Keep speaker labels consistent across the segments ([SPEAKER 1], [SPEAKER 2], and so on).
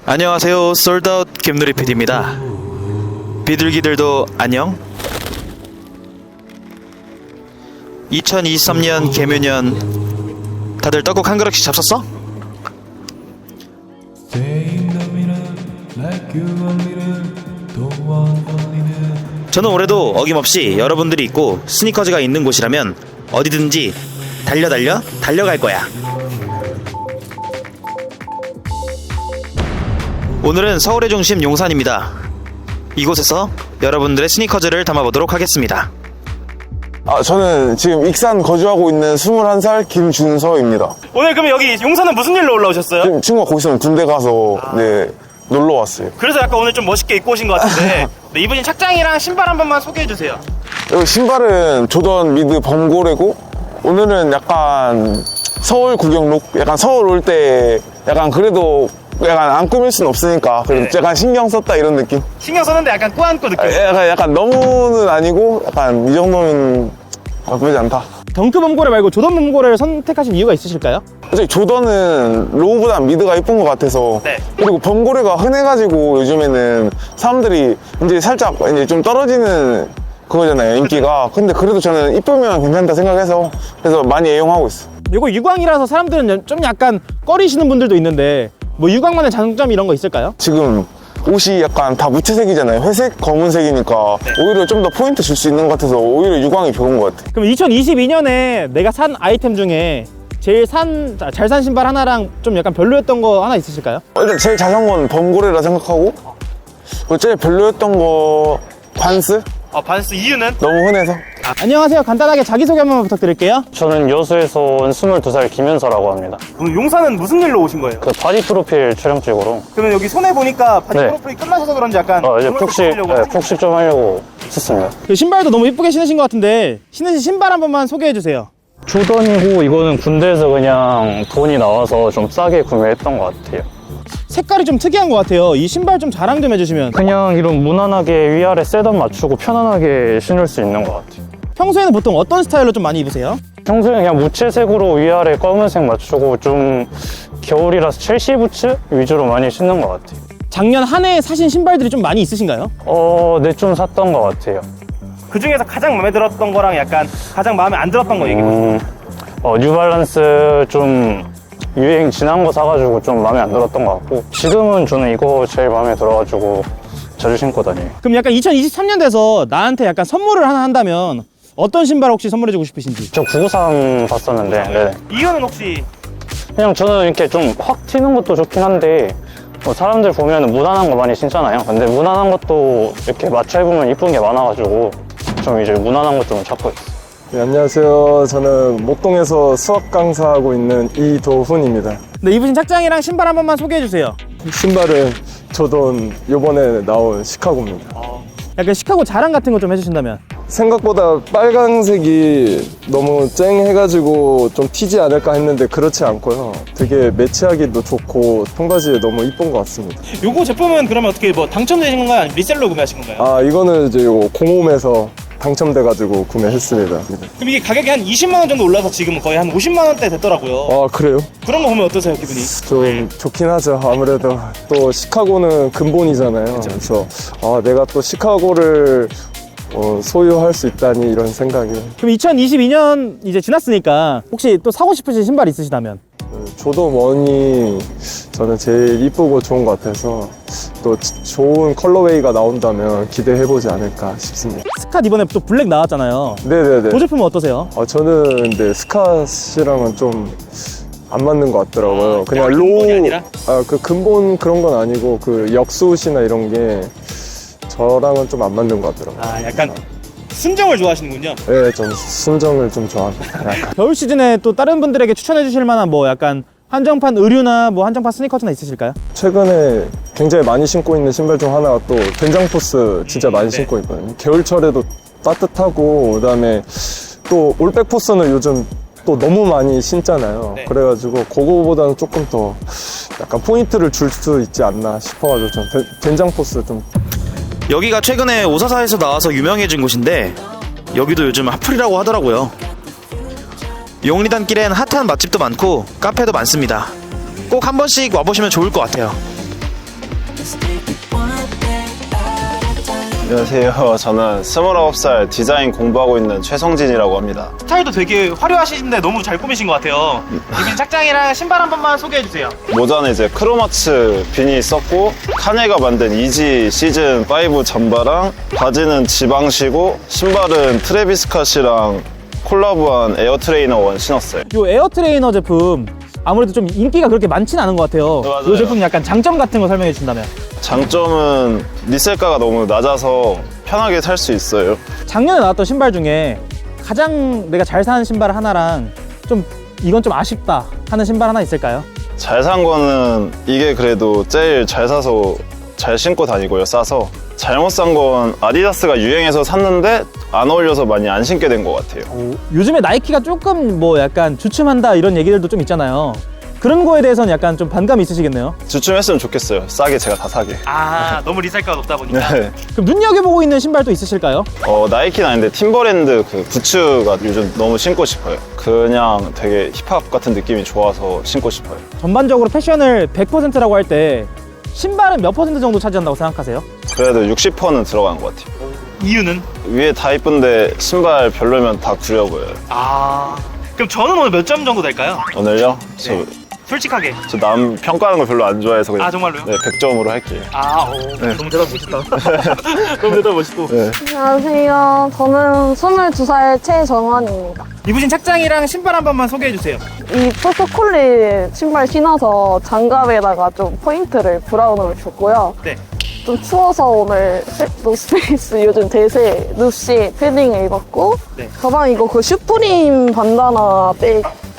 [SPEAKER 1] 안녕하세요. 솔드아웃 김누리 PD입니다. 비둘기들도 안녕? 2023년 개묘년 다들 떡국 한 그릇씩 잡섰어? 저는 올해도 어김없이 여러분들이 있고 스니커즈가 있는 곳이라면 어디든지 달려갈 거야. 오늘은 서울의 중심 용산입니다. 이곳에서 여러분들의 스니커즈를 담아보도록 하겠습니다.
[SPEAKER 2] 저는 지금 익산 거주하고 있는 21살 김준서입니다.
[SPEAKER 3] 오늘 그러면 여기 용산은 무슨 일로 올라오셨어요?
[SPEAKER 2] 지금 친구가 거기 있으면 군대 가서 놀러 왔어요.
[SPEAKER 3] 그래서 약간 오늘 좀 멋있게 입고 오신 것 같은데 네, 입으신 착장이랑 신발 한 번만 소개해주세요.
[SPEAKER 2] 여기 신발은 조던 미드 범고래고, 오늘은 약간 서울 구경룩? 약간 서울 올 때 약간 그래도 약간 안 꾸밀 순 없으니까 그래도 약간 신경 썼다 이런 느낌?
[SPEAKER 3] 신경 썼는데 약간 꾸안꾸 느낌.
[SPEAKER 2] 약간 너무는 아니고 약간 이 정도면 나쁘지 않다.
[SPEAKER 3] 덩크 범고래 말고 조던 범고래를 선택하신 이유가 있으실까요?
[SPEAKER 2] 솔직히 조던은 로우보다 미드가 이쁜 것 같아서.
[SPEAKER 3] 네.
[SPEAKER 2] 그리고 범고래가 흔해가지고 요즘에는 사람들이 이제 살짝 이제 좀 떨어지는 그거잖아요, 인기가. 근데 그래도 저는 이쁘면 괜찮다 생각해서 그래서 많이 애용하고 있어.
[SPEAKER 3] 이거 유광이라서 사람들은 좀 약간 꺼리시는 분들도 있는데 뭐 유광만의 장점 이런 거 있을까요?
[SPEAKER 2] 지금 옷이 약간 다 무채색이잖아요. 회색, 검은색이니까 오히려 좀 더 포인트 줄 수 있는 것 같아서 오히려 유광이 좋은 것 같아.
[SPEAKER 3] 그럼 2022년에 내가 산 아이템 중에 제일 잘 산 신발 하나랑 좀 약간 별로였던 거 하나 있으실까요?
[SPEAKER 2] 일단 제일 잘 산 건 범고래라 생각하고, 그리고 제일 별로였던 거 반스?
[SPEAKER 3] 반스 이유는?
[SPEAKER 2] 너무 흔해서.
[SPEAKER 3] 안녕하세요. 간단하게 자기소개 한번 부탁드릴게요.
[SPEAKER 4] 저는 여수에서 온 22살 김현서라고 합니다.
[SPEAKER 3] 오늘 용산은 무슨 일로 오신 거예요?
[SPEAKER 4] 그 바디 프로필 촬영 찍으러
[SPEAKER 3] 그러면 여기 손에 보니까 바디
[SPEAKER 4] 네.
[SPEAKER 3] 프로필이 끝나셔서 그런지 약간
[SPEAKER 4] 이제
[SPEAKER 3] 조명도
[SPEAKER 4] 푹식
[SPEAKER 3] 찍으려고 하신
[SPEAKER 4] 푹식 좀 하려고 했습니다.
[SPEAKER 3] 그 신발도 너무 이쁘게 신으신 것 같은데 신으신 신발 한 번만 소개해 주세요.
[SPEAKER 4] 조던이고 이거는 군대에서 그냥 돈이 나와서 좀 싸게 구매했던 것 같아요.
[SPEAKER 3] 색깔이 좀 특이한 것 같아요. 이 신발 좀 자랑 좀 해주시면.
[SPEAKER 4] 그냥 이런 무난하게 위아래 셋업 맞추고 편안하게 신을 수 있는 것 같아요.
[SPEAKER 3] 평소에는 보통 어떤 스타일로 좀 많이 입으세요?
[SPEAKER 4] 평소에 그냥 무채색으로 위아래 검은색 맞추고 좀 겨울이라서 첼시 부츠 위주로 많이 신는 것 같아요.
[SPEAKER 3] 작년 한 해에 사신 신발들이 좀 많이 있으신가요?
[SPEAKER 4] 네, 좀 샀던 것 같아요.
[SPEAKER 3] 그 중에서 가장 마음에 들었던 거랑 약간 가장 마음에 안 들었던 거 얘기해 보세요.
[SPEAKER 4] 뉴발란스 좀 유행 지난 거 사가지고 좀 마음에 안 들었던 것 같고, 지금은 저는 이거 제일 마음에 들어가지고 자주 신고 다녀요.
[SPEAKER 3] 그럼 약간 2023년 돼서 나한테 약간 선물을 하나 한다면 어떤 신발 혹시 선물해주고 싶으신지?
[SPEAKER 4] 저 993 봤었는데, 네.
[SPEAKER 3] 이유는 혹시?
[SPEAKER 4] 그냥 저는 이렇게 좀 확 튀는 것도 좋긴 한데, 사람들 보면 무난한 거 많이 신잖아요. 근데 무난한 것도 이렇게 맞춰 입으면 이쁜 게 많아가지고 좀 이제 무난한 것 좀 찾고 있어요.
[SPEAKER 5] 네, 안녕하세요. 저는 목동에서 수학 강사하고 있는 이도훈입니다.
[SPEAKER 3] 네, 입으신 착장이랑 신발 한 번만 소개해 주세요.
[SPEAKER 5] 신발은 조던 요번에 나온 시카고입니다.
[SPEAKER 3] 약간 시카고 자랑 같은 거 좀 해주신다면?
[SPEAKER 5] 생각보다 빨간색이 너무 쨍해가지고 좀 튀지 않을까 했는데 그렇지 않고요. 되게 매치하기도 좋고 통바지에 너무 이쁜 것 같습니다.
[SPEAKER 3] 요거 제품은 그러면 어떻게 뭐 당첨되신 건가요? 아니면 리셀로 구매하신 건가요?
[SPEAKER 5] 이거는 이제 요거 공홈에서 당첨돼가지고 구매했습니다.
[SPEAKER 3] 그럼 이게 가격이 한 20만 원 정도 올라서 지금 거의 한 50만 원대 됐더라고요.
[SPEAKER 5] 그래요?
[SPEAKER 3] 그런 거 보면 어떠세요, 기분이?
[SPEAKER 5] 좀 좋긴 하죠. 아무래도 또 시카고는 근본이잖아요. 그래서 내가 또 시카고를 소유할 수 있다니 이런 생각이.
[SPEAKER 3] 그럼 2022년 이제 지났으니까 혹시 또 사고 싶으신 신발 있으시다면?
[SPEAKER 5] 조던 원이 저는 제일 이쁘고 좋은 것 같아서 또 좋은 컬러웨이가 나온다면 기대해보지 않을까 싶습니다.
[SPEAKER 3] 스캇 이번에 또 블랙 나왔잖아요.
[SPEAKER 5] 네네네.
[SPEAKER 3] 그 제품은 어떠세요?
[SPEAKER 5] 저는 근데 스캇이랑은 좀 안 맞는 것 같더라고요. 그냥
[SPEAKER 3] 근본이 아니라?
[SPEAKER 5] 그 근본 그런 건 아니고 그 역수옷이나 이런 게 저랑은 좀 안 맞는 것 같더라고요.
[SPEAKER 3] 약간 순정을 좋아하시는군요.
[SPEAKER 5] 네, 좀 순정을 좀 좋아합니다. 약간.
[SPEAKER 3] 겨울 시즌에 또 다른 분들에게 추천해 주실 만한 뭐 약간 한정판 의류나 뭐 한정판 스니커즈나 있으실까요?
[SPEAKER 5] 최근에 굉장히 많이 신고 있는 신발 중 하나가 또 된장포스 진짜 많이
[SPEAKER 3] 네.
[SPEAKER 5] 신고 있거든요. 겨울철에도 따뜻하고 그다음에 또 올백포스는 요즘 또 너무 많이 신잖아요.
[SPEAKER 3] 네.
[SPEAKER 5] 그래가지고 그거보다는 조금 더 약간 포인트를 줄 수 있지 않나 싶어가지고 좀 된장포스 좀.
[SPEAKER 1] 여기가 최근에 오사사에서 나와서 유명해진 곳인데 여기도 요즘 핫플이라고 하더라고요. 용리단길엔 핫한 맛집도 많고 카페도 많습니다. 꼭 한 번씩 와보시면 좋을 것 같아요.
[SPEAKER 6] 안녕하세요. 저는 29살 디자인 공부하고 있는 최성진이라고 합니다.
[SPEAKER 3] 스타일도 되게 화려하시는데 너무 잘 꾸미신 것 같아요. 이분 착장이랑 신발 한 번만 소개해 주세요.
[SPEAKER 6] 모자는 이제 크로마츠 비니 썼고, 카네가 만든 이지 시즌5 잠바랑, 바지는 지방시고, 신발은 트래비스 캇이랑 콜라보한 에어 트레이너 1 신었어요.
[SPEAKER 3] 이 에어 트레이너 제품 아무래도 좀 인기가 그렇게 많지는 않은 것 같아요.
[SPEAKER 6] 맞아요.
[SPEAKER 3] 이 제품 약간 장점 같은 거 설명해 주신다면.
[SPEAKER 6] 장점은 리셀가가 너무 낮아서 편하게 살 수 있어요.
[SPEAKER 3] 작년에 나왔던 신발 중에 가장 내가 잘 사는 신발 하나랑 좀 이건 좀 아쉽다 하는 신발 하나 있을까요?
[SPEAKER 6] 잘 산 거는 이게 그래도 제일 잘 사서 잘 신고 다니고요, 싸서. 잘못 산 건 아디다스가 유행해서 샀는데 안 어울려서 많이 안 신게 된 것 같아요.
[SPEAKER 3] 요즘에 나이키가 조금 뭐 약간 주춤한다 이런 얘기들도 좀 있잖아요. 그런 거에 대해서는 약간 좀 반감이 있으시겠네요.
[SPEAKER 6] 주춤했으면 좋겠어요. 싸게 제가 다 사게.
[SPEAKER 3] 아, 너무 리셀가가 높다 보니까.
[SPEAKER 6] 네.
[SPEAKER 3] 그럼 눈여겨보고 있는 신발도 있으실까요?
[SPEAKER 6] 나이키는 아닌데 팀버랜드 그 부츠가 요즘 너무 신고 싶어요. 그냥 되게 힙합 같은 느낌이 좋아서 신고 싶어요.
[SPEAKER 3] 전반적으로 패션을 100%라고 할 때 신발은 몇 퍼센트 정도 차지한다고 생각하세요?
[SPEAKER 6] 그래도 60%는 들어간 것 같아요.
[SPEAKER 3] 이유는?
[SPEAKER 6] 위에 다 이쁜데 신발 별로면 다 구려 보여요.
[SPEAKER 3] 아, 그럼 저는 오늘 몇 점 정도 될까요?
[SPEAKER 6] 오늘요?
[SPEAKER 3] 솔직하게.
[SPEAKER 6] 저 남 평가하는 거 별로 안 좋아해서 그냥
[SPEAKER 3] 아, 정말로요?
[SPEAKER 6] 네, 100점으로 할게요.
[SPEAKER 3] 아, 너무 대답 멋있다. 너무 대답 멋있고.
[SPEAKER 6] 네.
[SPEAKER 7] 안녕하세요. 저는 22살 최정환입니다.
[SPEAKER 3] 입으신 착장이랑 신발 한 번만 소개해 주세요.
[SPEAKER 7] 이 포스콜릿 신발 신어서 장갑에다가 좀 포인트를 브라운으로 줬고요.
[SPEAKER 3] 네.
[SPEAKER 7] 좀 추워서 오늘 노스페이스 요즘 대세 누시 패딩을 입었고,
[SPEAKER 3] 네.
[SPEAKER 7] 가방 이거 그 슈프림 반다나 백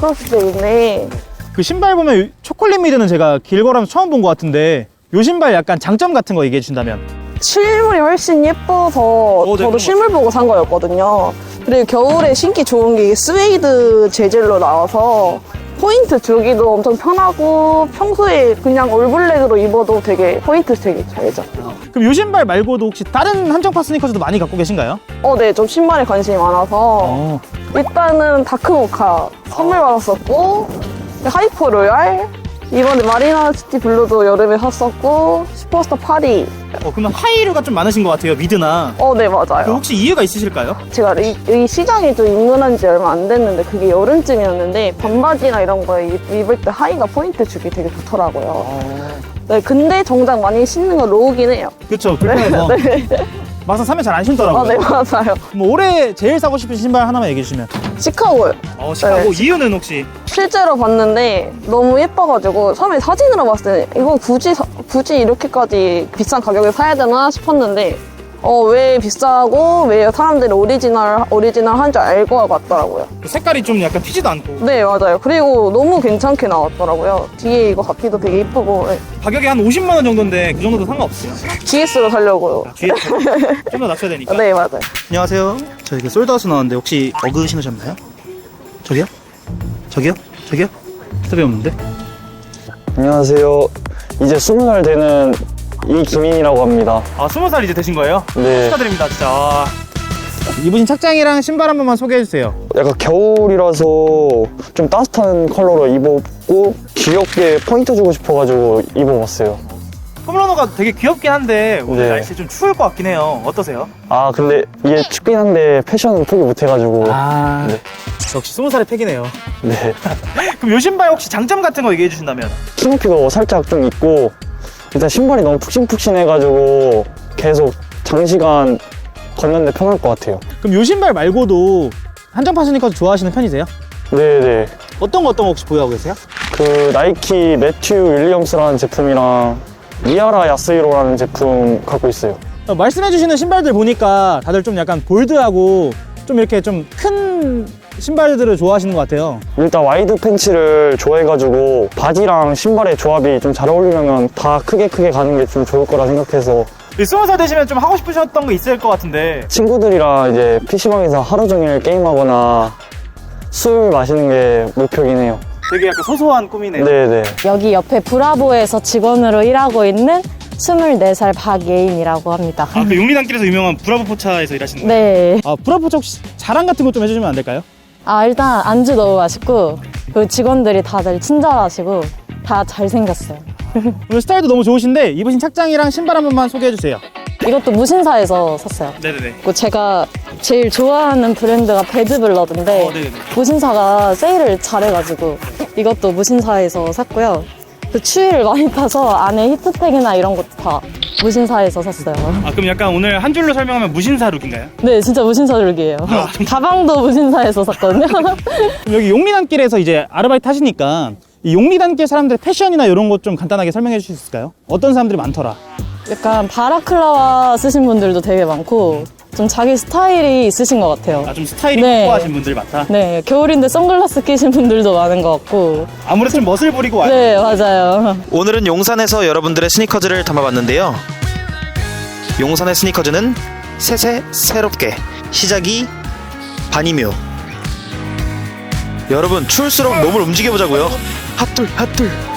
[SPEAKER 7] 크로스백인데
[SPEAKER 3] 그 신발 보면 초콜릿 미드는 제가 길거라면서 처음 본 것 같은데 요 신발 약간 장점 같은 거 얘기해 주신다면.
[SPEAKER 7] 실물이 훨씬 예뻐서
[SPEAKER 3] 네,
[SPEAKER 7] 저도 실물 보고 산 거였거든요. 그리고 겨울에 신기 좋은 게 이게 스웨이드 재질로 나와서 포인트 주기도 엄청 편하고 평소에 그냥 올블랙으로 입어도 되게 포인트 되게 잘 잡혀요.
[SPEAKER 3] 그럼 요 신발 말고도 혹시 다른 한정파 스니커즈도 많이 갖고 계신가요?
[SPEAKER 7] 네, 좀 신발에 관심이 많아서 일단은 다크모카 선물 받았었고, 하이퍼 로얄, 이번에 마리나시티 블루도 여름에 샀었고, 슈퍼스타 파리.
[SPEAKER 3] 그러면 하이류가 좀 많으신 것 같아요, 미드나.
[SPEAKER 7] 네,
[SPEAKER 3] 그
[SPEAKER 7] 맞아요.
[SPEAKER 3] 혹시 이유가 있으실까요?
[SPEAKER 7] 제가 이 시장에 좀 입문한 지 얼마 안 됐는데 그게 여름쯤이었는데 반바지나 이런 거에 입을 때 하이가 포인트 주기 되게 좋더라고요. 네, 근데 정작 많이 신는 건 로우긴 해요.
[SPEAKER 3] 그쵸, 불편해서.
[SPEAKER 7] 네.
[SPEAKER 3] 막상 사면 잘 안 신더라고요.
[SPEAKER 7] 네, 맞아요.
[SPEAKER 3] 뭐 올해 제일 사고 싶은 신발 하나만 얘기해 주시면.
[SPEAKER 7] 시카고요.
[SPEAKER 3] 시카고.
[SPEAKER 7] 네.
[SPEAKER 3] 이유는 혹시?
[SPEAKER 7] 실제로 봤는데 너무 예뻐가지고 처음에 사진으로 봤을 때 이거 굳이 이렇게까지 비싼 가격에 사야 되나 싶었는데 왜 비싸고 왜 사람들이 오리지널 한 줄 알고 왔더라고요.
[SPEAKER 3] 색깔이 좀 약간 튀지도 않고.
[SPEAKER 7] 네, 맞아요. 그리고 너무 괜찮게 나왔더라고요. 뒤에 이거 바퀴도 되게 이쁘고. 네.
[SPEAKER 3] 가격이 한 50만 원 정도인데 그 정도도 상관없어요.
[SPEAKER 7] GS로 살려고요.
[SPEAKER 3] 뒤에 좀 더 낮춰야 되니까.
[SPEAKER 7] 네, 맞아요.
[SPEAKER 1] 안녕하세요. 저 이게 솔드아웃 나왔는데 혹시 어그 신으셨나요? 저기요? 저기요? 저기요? 답이 없는데?
[SPEAKER 4] 안녕하세요. 이제 20살 되는 이기민이라고 합니다.
[SPEAKER 3] 20살 이제 되신 거예요?
[SPEAKER 4] 네.
[SPEAKER 3] 축하드립니다, 진짜. 입으신 착장이랑 신발 한 번만 소개해 주세요.
[SPEAKER 4] 약간 겨울이라서 좀 따뜻한 컬러로 입었고 귀엽게 포인트 주고 싶어가지고 입어봤어요.
[SPEAKER 3] 폼러너가 되게 귀엽긴 한데 오늘
[SPEAKER 4] 네.
[SPEAKER 3] 날씨 좀 추울 것 같긴 해요. 어떠세요?
[SPEAKER 4] 아 근데 이게 춥긴 한데 패션은 포기 못해가지고. 네.
[SPEAKER 3] 역시 20살의 팩이네요.
[SPEAKER 4] 네.
[SPEAKER 3] 그럼 요 신발 혹시 장점 같은 거 얘기해 주신다면?
[SPEAKER 4] 키높이가 살짝 좀 있고 일단 신발이 너무 푹신푹신해가지고 계속 장시간 걷는데 편할 것 같아요.
[SPEAKER 3] 그럼 요 신발 말고도 한정파 스니커즈 좋아하시는 편이세요?
[SPEAKER 4] 네네.
[SPEAKER 3] 어떤 거 혹시 보유하고 계세요?
[SPEAKER 4] 그 나이키 매튜 윌리엄스라는 제품이랑 미아라 야스히로라는 제품 갖고 있어요.
[SPEAKER 3] 말씀해 주시는 신발들 보니까 다들 좀 약간 볼드하고 좀 이렇게 좀 큰 신발들을 좋아하시는 것 같아요.
[SPEAKER 4] 일단 와이드 팬츠를 좋아해가지고 바지랑 신발의 조합이 좀 잘 어울리려면 다 크게 가는 게 좀 좋을 거라 생각해서
[SPEAKER 3] 20살 되시면 좀 하고 싶으셨던 거 있을 것 같은데.
[SPEAKER 4] 친구들이랑 이제 PC방에서 하루 종일 게임하거나 술 마시는 게 목표긴 해요.
[SPEAKER 3] 되게 약간 소소한 꿈이네요.
[SPEAKER 4] 네네.
[SPEAKER 8] 여기 옆에 브라보에서 직원으로 일하고 있는 24살 박예인이라고 합니다.
[SPEAKER 3] 아, 그 용리단길에서 유명한 브라보 포차에서 일하시는 거예요?
[SPEAKER 8] 네.
[SPEAKER 3] 브라보 포차 혹시 자랑 같은 거 좀 해주시면 안 될까요?
[SPEAKER 8] 일단 안주 너무 맛있고 그 직원들이 다들 친절하시고 다 잘생겼어요.
[SPEAKER 3] 오늘 스타일도 너무 좋으신데 입으신 착장이랑 신발 한 번만 소개해 주세요.
[SPEAKER 8] 이것도 무신사에서 샀어요.
[SPEAKER 3] 네네네.
[SPEAKER 8] 그리고 제가 제일 좋아하는 브랜드가 배드블러드인데
[SPEAKER 3] 네네.
[SPEAKER 8] 무신사가 세일을 잘해가지고 이것도 무신사에서 샀고요. 그 추위를 많이 타서 안에 히트텍이나 이런 것도 다 무신사에서 샀어요.
[SPEAKER 3] 아 그럼 약간 오늘 한 줄로 설명하면 무신사 룩인가요?
[SPEAKER 8] 네, 진짜 무신사 룩이에요. 가방도 무신사에서 샀거든요.
[SPEAKER 3] 그럼 여기 용리단길에서 이제 아르바이트 하시니까 이 용리단길 사람들의 패션이나 이런 것 좀 간단하게 설명해 주실 수 있을까요? 어떤 사람들이 많더라?
[SPEAKER 8] 약간 바라클라와 쓰신 분들도 되게 많고 좀 자기 스타일이 있으신 것 같아요.
[SPEAKER 3] 아 좀 스타일이
[SPEAKER 8] 네.
[SPEAKER 3] 확고하신 분들이 많다?
[SPEAKER 8] 네, 겨울인데 선글라스 끼신 분들도 많은 것 같고.
[SPEAKER 3] 아무래도 좀 멋을 부리고 와요.
[SPEAKER 8] 네, 맞아요.
[SPEAKER 1] 오늘은 용산에서 여러분들의 스니커즈를 담아봤는데요. 용산의 스니커즈는 새새 새롭게 시작이 반이묘. 여러분 추울수록 몸을 움직여보자고요. 핫둘 핫둘.